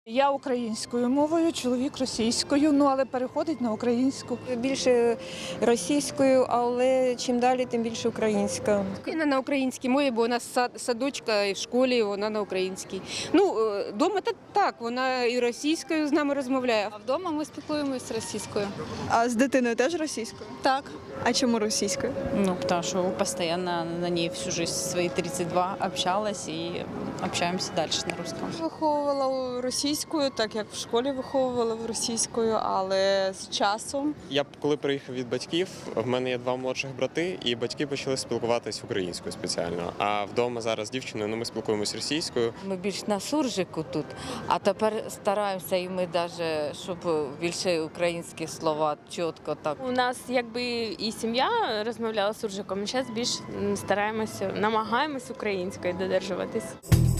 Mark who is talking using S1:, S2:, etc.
S1: Я українською мовою, чоловік російською, але переходить на українську.
S2: Більше російською, але чим далі, тим більше українська.
S3: Вона на українській мові, бо у нас садочка і в школі вона на українській. Вдома так, вона і російською з нами розмовляє.
S4: А вдома ми спілкуємося російською.
S5: А з дитиною теж російською?
S4: Так.
S5: А чому російською?
S6: Потому что постоянно на ней всю жизнь свои 32 общалась и общаемся дальше на русском.
S7: Виховувала російською, так як в школі виховувала російською, але з часом.
S8: Я коли приїхав від батьків, в мене є два молодших брати, і батьки почали спілкуватись українською спеціально. А вдома зараз з дівчиною ми спілкуємось російською.
S9: Ми більш на суржику тут, а тепер стараємося і ми навіть, щоб більше українських слова чітко так.
S4: У нас якби і сім'я розмовляла суржиком, зараз більш стараємося, намагаємось українською додержуватись.